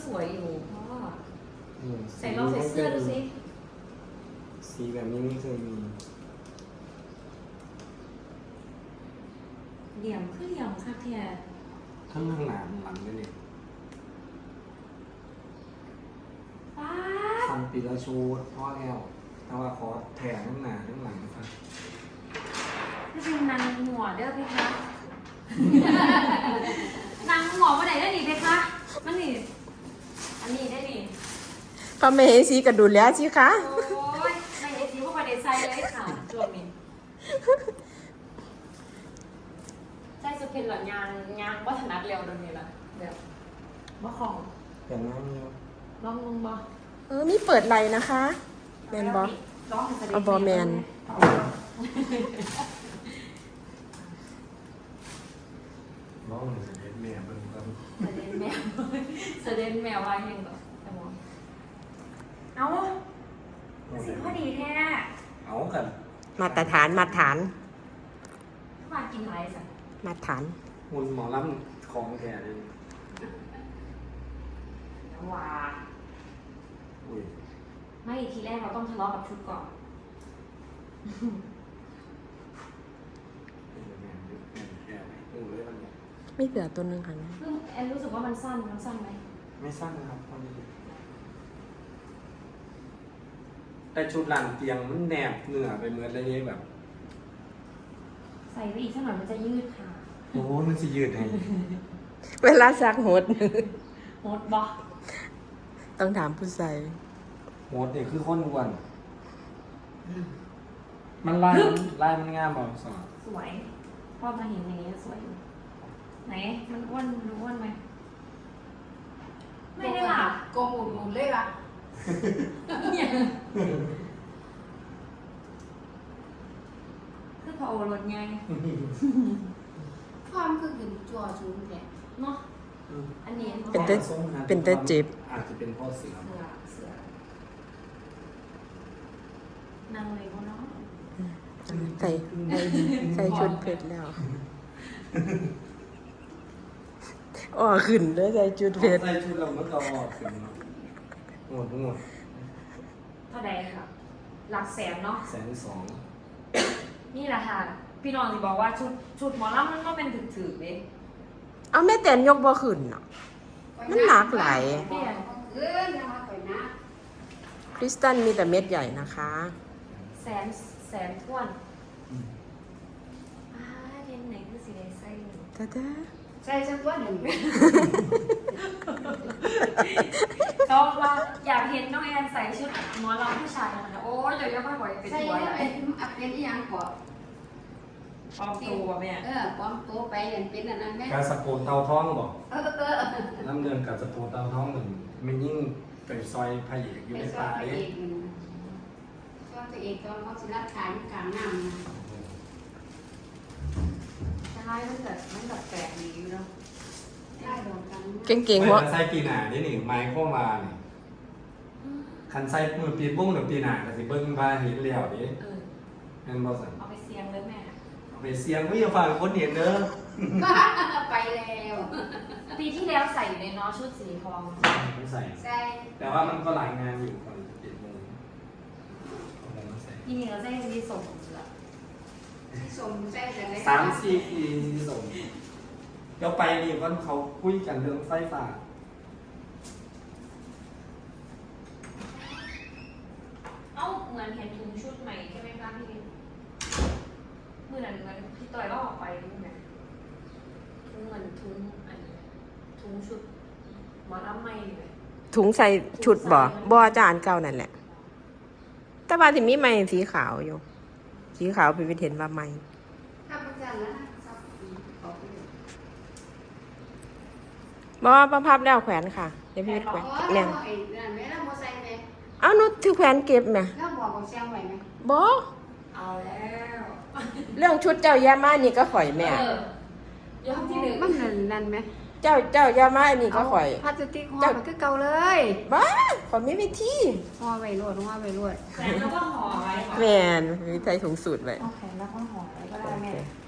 สวยอยู่เพราะว่าใส่ใส่ลองใส่เสื้อดูสิสีแบบนี้ไม่เคยมีเหลี่ยมคือเหลี่ยมค่ะแท้ทั้งข้างหน้าหลังนี่ป้าฟันปีละชูพ่อแล้วแต่ว่าขอแถมข้างหน้าข้างหลังครับนี่เป็นนางหัวเด้อเพคะ นางหัวมาไหนได้ดีเพคะมันนี่อันนี้ได้ดีพระเมสีกระดุนแล้วสิคะโอ้ยในเอซีพวกประเด็นไซเลยค่ะจวบมินใช่สุดเพลินหรอยางวัฒนัดเร็วตรงนี้ละแบบบ่ของอย่างนั้นลองลงบ่มีเปิดไหลนะคะแมนบอร้องให้แสดงเอาบอแมนน้องเด็กแม่เป็นคนแสดงแมวแสดงแมวว่าอย่างแบบแต่มองเอาสิพอดีแท้เอากันมาตรฐานมาตรฐานมากินไรสักมาตรฐานหุ่นหมอลำของแท้เลยว้าอุ้ยไม่ทีแรกเราต้องทะเลาะกับชุดก่อนแม่แก่ไหมอู้เลยมันเนี่ยไม่เหลือตัวหนึงค่ะซึ่งแอนรู้สึกว่ามันสั้นไหมไม่สั้นนะครับพอดีแต่ชุดหลังเตียงมันแนบเหนือไปเหมือนอะไรเงี้ยแบบใส่ไปอีกสักหน่อยมันจะยืดค่ะโอ้โหมันสิยืดให้เวลาซักหดโหดบ่ต้องถามผู้ใส่โหดนี่คือคนอ้วนมันลายมันงามบ่สอนสวยพอมาเห็นอย่างนี้สวยอยู่ไหนมันอ้วนดูอ้วนไหมไม่ได้หลับโกงหมุนเลยล่ะเนี่ยคือพอโอรสไงความคือกินจั่วชูนแท้เนาะอันนี้เป็นเตเจ็บอาจจะเป็นเพ่อเสือเสือ นางเลยเขาเนาะใส่ใส่ชุดเพชรแล้วอ๋อขึ้นเลยใส่ชุดเพชรใส่ชุดเราเมื่อก่อนถึงโหดเท่าใดค่ะหลักแสนเนาะ 120,000 นี่แหละค่ะ พี่น้องสิบอกว่าชุดหมอลำมันก็เป็นถือๆเด้เอาแม่แตนยกบ่ขึ้นเนาะ มันหนักหลายเอ้ยนะไปนะคริสตันมีแต่เม็ดใหญ่นะคะแสนท้วนเรียนไหนคือสีแดงไส้หนึ่งตาตาใส่สักตัวหนึ่งก็ว่าอยากเห็นน้องแอนใส่ชุดหมอลำผู้ชายนะโอ้ยเดี๋ยวยังไม่บ่อยเป็นใส่ตัวแล้วใหญ่เป็นอีหยังก่อนปลอมตัวแม่ปลอมตัวไปเป็นอันนั้นแม่การสะโพกเตาท้องบอกเออน้ำเดินกับสะโพกเตาท้องหนึ่งมันยิ่งไปซอยพระเอกอยู่ไปในสอป่านไปเอ๊ะเองสอนตัวเองตอนเขาสิรักษาอยู่กลางน้ำนะใช่มันแบบแปลกดีอยู่เนาะได้โดนกันเก่งๆหัวไม่ใส่ปีหนานี่นี่ไม้เข้ามานี่คันใส่มือปีบุ้งหรือปีหนาก็สิเบิ้งมาเห็นแล้วดินั่นบ่สั่นเอาไปเสียงเลยแม่เอาไปเสียงไม่อย่าฝากคนเห็นเด้อไปแล้วปีที่แล้วใส่อยู่ในน้อชุดสีทองไม่ใส่ใส่แต่ว่ามันก็หลายงานอยู่ก่อนจะ7 โมงเอาอะไรมาใส่ที่นี่เราได้มีส่งเหรอสมใส่แต่ไหน 3-4 ปีส่งเดี๋ยวไปนี่วันเขาคุยกันเรื่องไฟฟ้าเอ้าเหมือนเห็นถุงชุดใหม่ใช่ไหมคะพี่มือนั้นเหมือนพี่ต่อยก็ออกไปรู้ไหมถุงเหมือนถุงอันนี้ถุงชุดหมอลำใหม่เลยถุงใส่ชุดบ่จานเก่านั่นแหละ แต่ว่าที่มีไหมสีขาวอยู่ สีขาวเป็นเห็นว่าไหมถ้าประจันแล้วสักขอไปเลยบ่พับแล้วแขวนค่ะ เดี๋ยวพี่แขวนโอ้ยเนี่ยไอ้นั่นแม่เราโมใส่ไหมเอานุชถือแขวนเก็บไหมเราบอกของแซงไว้ไหมบ่เอาแล้วเรื่องชุดเจ้ายามานี่ก็ข่อยแม่ยอดที่หนึ่งมันนั่นไหมเจ้ายามาอันนี้ก็ข่อยพลาสติกห่อมันก็เก่าเลยบ้าข่อยไม่มีที่ห่อไว้รวดห่อไว้รวดแขวนแล้วก็ห่อไว้แม่นมีใส่ถุงสูตรไว้เอาแขวนแล้วก็ห่อไว้ก็ได้แม่โอเค